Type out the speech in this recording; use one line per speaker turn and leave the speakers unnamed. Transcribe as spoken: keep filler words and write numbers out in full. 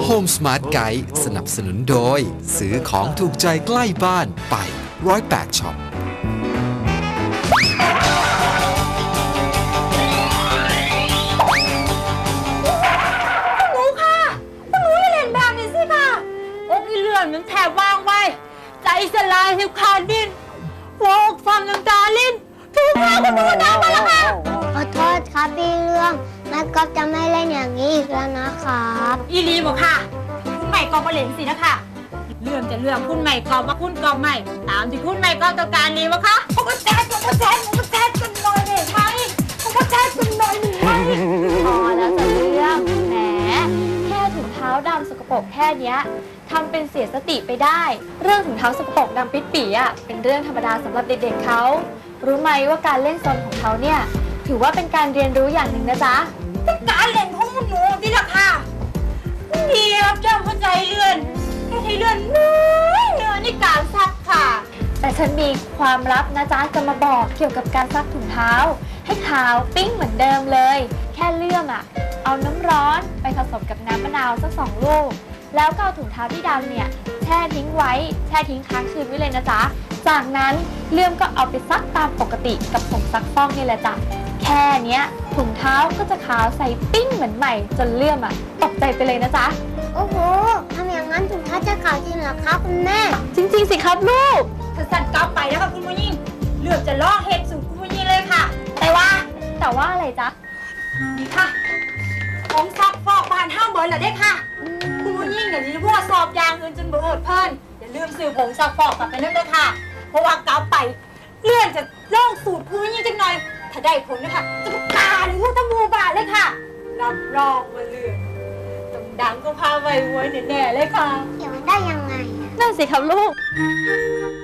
Home Smart Guide สนับสนุนโดยซื้อของถูกใจใกล้บ้านไปร้อยแปดช็อป
มันแถบวางไว้ใจสลายหิวขาดดินหัวอกฟังน้ำตาลิ้นถูกพาคุณหนูน้ำมาแล้วค่ะ
ขอโทษครับพี่เรื่องแม่ก๊อฟจะไม่เล่นอย่างนี้อีกแล้วนะครับ
อีลีบอกค่ะคุณใหม่กอบมาเล่นสินะคะเรื่องจะเรื่องคุณใหม่กอบมาคุณกอบใหม่ตามที่คุณใหม่กอบต้องการดีวะคะผมก็แจ๊ดผมก็แจ๊ดผมก็แจ๊ดกันหน่อยเด็กไหมผมก็แจ๊ดกันหน่อยหนึ่งไหม
พอแล้วจะเรื่องแหมแค่ถุงเท้าดำสกปรกแค่เนี้ยทำเป็นเสียสติไปได้เรื่องถุงเท้าสกปรกดำปิดปี่อ่ะเป็นเรื่องธรรมดาสำหรับเด็กๆเขารู้ไหมว่าการเล่นซนของเขาเนี่ยถือว่าเป็นการเรียนรู้อย่างหนึ่งนะจ๊ะ
การเล่นของหนูที่ราคาดีครับเจ้าเข้าใจเลื่อนแค่ให้เลื่อนน้อยเนื้อในการซักค่ะ
แต่ฉันมีความลับนะจ๊ะจะมาบอกเกี่ยวกับการซักถุงเท้าให้ขาวปิ้งเหมือนเดิมเลยแค่เลื่อมอ่ะเอาน้ำร้อนไปผสมกับน้ำมะนาวสักสองลูกแล้วก็เอาถุงเท้าที่ดำเนี่ยแช่ทิ้งไว้แช่ทิ้งค้างคืนไว้เลยนะจ๊ะจากนั้นเลื่อมก็เอาไปซักตามปกติกับผงซักฟอกนี่แหละจ้ะแค่เนี้ยถุงเท้าก็จะขาวใสปิ้งเหมือนใหม่จนเลื่อมอ่ะตกใจไปเลยนะจ๊ะ
โอ้โหทำอย่างนั้นถุงเท้าจะขาวจริงเหรอครับคุณแม่
จริงๆสิครับลูก
ถ้าสั่นกลับไปนะคะคุณผู้หญิงเลื่อมจะล่อเห็ดสู่คุณผู้หญิงเลยค่ะแต่ว่า
แต่ว่าอะไรจ๊ะ
นี่ค่ะของซักฟอกบานห้ามเบิร์นเหรอเด็กค่ะคุณผู้หญิงอย่างนี้พวกสอบยางเงินจนเบิร์ดเพิ่นอย่าลืมซื้อผงซักฟอกกลับไปนั่นเลยค่ะเพราะว่ากลับไปเลื่อนจะลองสูตรคุณผู้หญิงจังหน่อยถ้าได้ผลนะคะจะประกาศหรือว่าทั้งหมู่บ้านเลยค่ะรับรองมาเลื่อนต้องดังก็พาไว้ไว้แน่ๆเลยค่ะ
เกี่ยวมันได้ยังไง
นั่นสิครับลูก